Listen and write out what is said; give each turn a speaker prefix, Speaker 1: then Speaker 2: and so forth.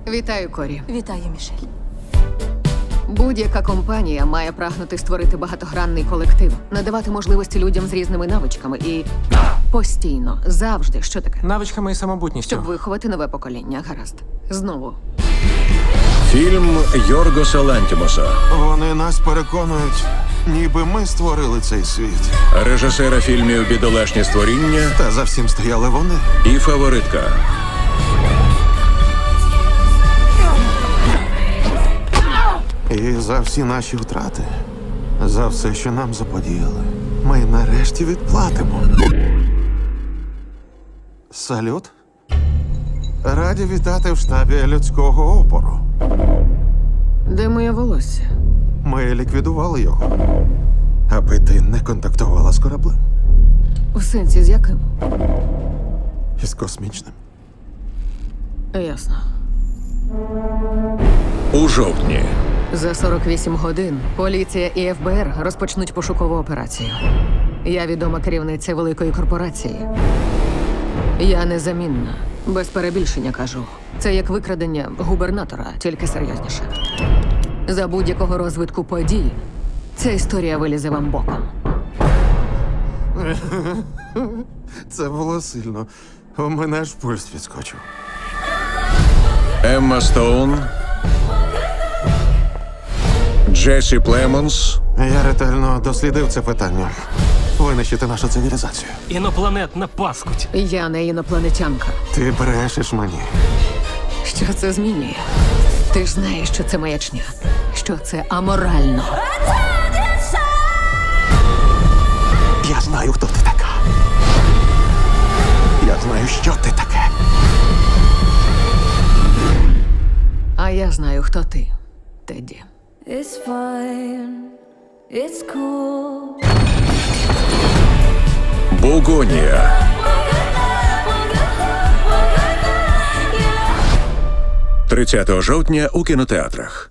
Speaker 1: Вітаю, Корі.
Speaker 2: Вітаю, Мішель.
Speaker 1: Будь-яка компанія має прагнути створити багатогранний колектив, надавати можливості людям з різними навичками і постійно, завжди, що таке?
Speaker 3: Навичками і самобутністю.
Speaker 1: Щоб виховати нове покоління, гаразд. Знову.
Speaker 4: Фільм Йоргоса Лантімоса,
Speaker 5: Вони нас переконують, ніби ми створили цей світ.
Speaker 4: режисера фільмів «Бідолашні створіння»
Speaker 5: Та за всім стояли вони.
Speaker 4: і «Фаворитка».
Speaker 5: І за всі наші втрати, за все, що нам заподіяли, ми нарешті відплатимо. Салют. Раді вітати в штабі людського опору.
Speaker 1: Де моє волосся?
Speaker 5: Ми ліквідували його, аби ти не контактувала з кораблем.
Speaker 1: У сенсі з яким?
Speaker 5: Із космічним.
Speaker 1: Ясно.
Speaker 4: У жовтні.
Speaker 1: За 48 годин поліція і ФБР розпочнуть пошукову операцію. Я відома керівниця великої корпорації. Я незамінна. Без перебільшення кажу. Це як викрадення губернатора, тільки серйозніше. За будь-якого розвитку подій ця історія вилізе вам боком.
Speaker 5: Це було сильно. У мене аж пульс відскочив.
Speaker 4: Емма Стоун, Джесі Племонс,
Speaker 5: Я ретельно дослідив це питання. Винищити нашу цивілізацію.
Speaker 3: Інопланетна паскудь.
Speaker 1: Я не інопланетянка.
Speaker 5: Ти брешеш мені.
Speaker 1: Що це змінює? Ти ж знаєш, що це маячня, що це аморально.
Speaker 5: Я знаю, хто ти така. Я знаю, що ти таке.
Speaker 1: А я знаю, хто ти, Тедді.
Speaker 2: It's fine. It's cool.
Speaker 4: Бугонія. 30 жовтня у кінотеатрах.